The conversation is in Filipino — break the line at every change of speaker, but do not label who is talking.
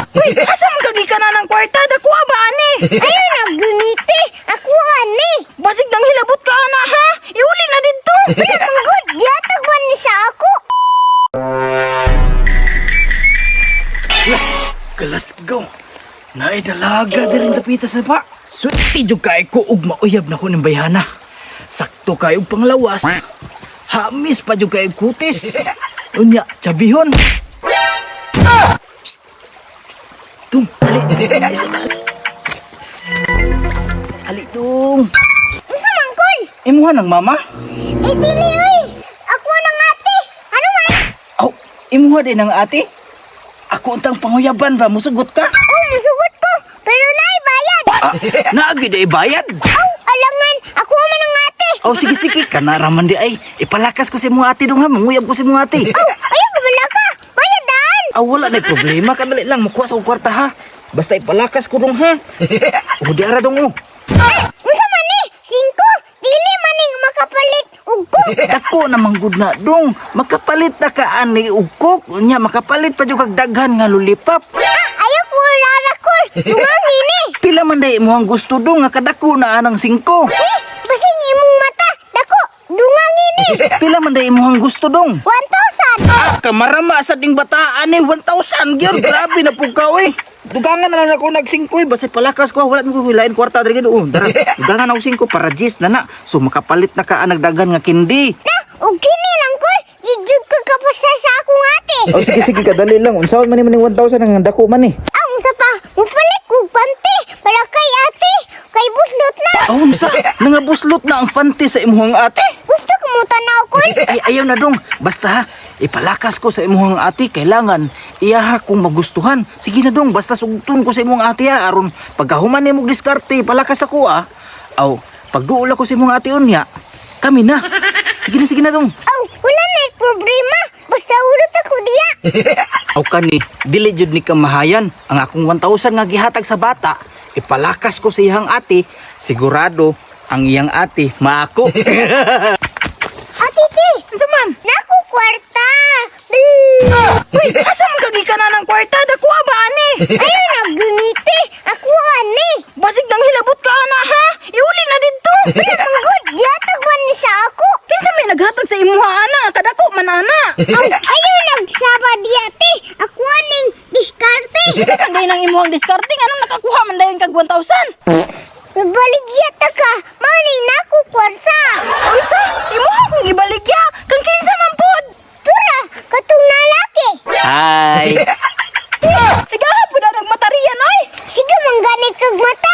Uy, asa man kagika na ng kwarta? Dako ba, ani?
Ayaw nagluniti. Ako ani.
Basig nang hilabot ka, ana, ha? Iuli na dito.
Wala kang good. Diatag man ni sa ako.
Kalasgaw. Naay dalaga din tapita sa pa. Suti jud kay ko ug mauyab na ko ng bayhana. Sakto kay og panglawas. Hamis pa jud kay kutis. Unya, tsabihon. Tung, ali tung.
Isa man kun.
Imuha ng mama?
Dili oy. Ako nang ate. Ano man?
Aw, imuha din ng ate? Ako untang panguyaban ba? Musugot ka?
Oh, musugot ko. Pero naay bayad.
Ah, naagi day bayad.
Oh, alangan. Ako man ang ate.
Oh, sige. Kanaraman di ay. Ipalakas ko si mga ate dong ha. Manguyab ko si mga ate.
Oh, ayaw kabala ka. Bayadan.
Ah, wala na problema. Kadali lang. Makuha sa kwarta ha. Basta ipalakas ko dong ha. Oh, di ara dong oh.
Unsa man ni? 5. Dili man ning makapalit og ko.
Dako namang good na dong. Makapalit na ka ani ugkok. Nya makapalit pa jud kag daghan nga lulipap.
Ayaw ko larakol. Dumang ini.
Pila man day imong gusto dong nga kadako na anang 5.
Basing imong mata. Dako. Dungang ini.
Pila man day imong gusto dong.
1,000.
Kamarama sa ding bataan eh 1,000 gyud. Grabe na pug ka oy. Dugangan na lang ako nag-5 basta palakas ko wala ko hilain kwarta diri doon. Dara, dugangan ako 5 para gis na na. So makapalit na ka nagdagan nga kindi.
Na, og kini lang ko. Gijud ko kapasta sa akong ate.
Oh sige kadali lang. Unsaon man ni 1,000 ang dako man ni.
Unsa pa? Mupalit ko panty para kay ate. Kay buslot na.
Oh, unsa? Nangabuslot na ang panty sa imuhang ate.
Gusto ko mo tanaw ko.
Ay ayaw na dong. Basta ha, ipalakas ko sa imuhang ate kailangan iyaha kung magustuhan. Sige na dong, basta sugtun ko sa imuhang ate ha aron pagkahuman nimo diskarte palakas ako ah. Aw, pagduol ako sa imuhang ate unya. Kami na. Sige na dong.
Oh, wala na problema. Basta ulot ako diya.
Aw kani, dili jud ni kamahayan ang akong 1,000 nga gihatag sa bata. Ipalakas ko sa iyang ate, sigurado ang iyang ate maako.
Ate, ti.
Unsa man?
Naku kwarta.
Uy, asa man kagika na ng kwarta? Dako ba, ani?
Ayaw nagluniti. Ako ani.
Basig nang hilabot ka, ana, ha? Iuli na dito.
Wala kang good. Diatag man ni sa ako.
Kinsa may naghatag sa imuha, ana? Kadako man, ana.
Ayaw nagsaba diya, ti. Ako aning diskarte.
Kinsa man day nang imuhang discarding? Anong nakakuha man dayon kag 1,000?
Baligya ta ka. Mani naku kwarta.
Unsa? Imuha kong ibaligya. Kang kinsa man pod?
Tura, katong nalaki.
Hi.
Sigahan po na nagmatariyan, ay.
Sige mangganit kag mata.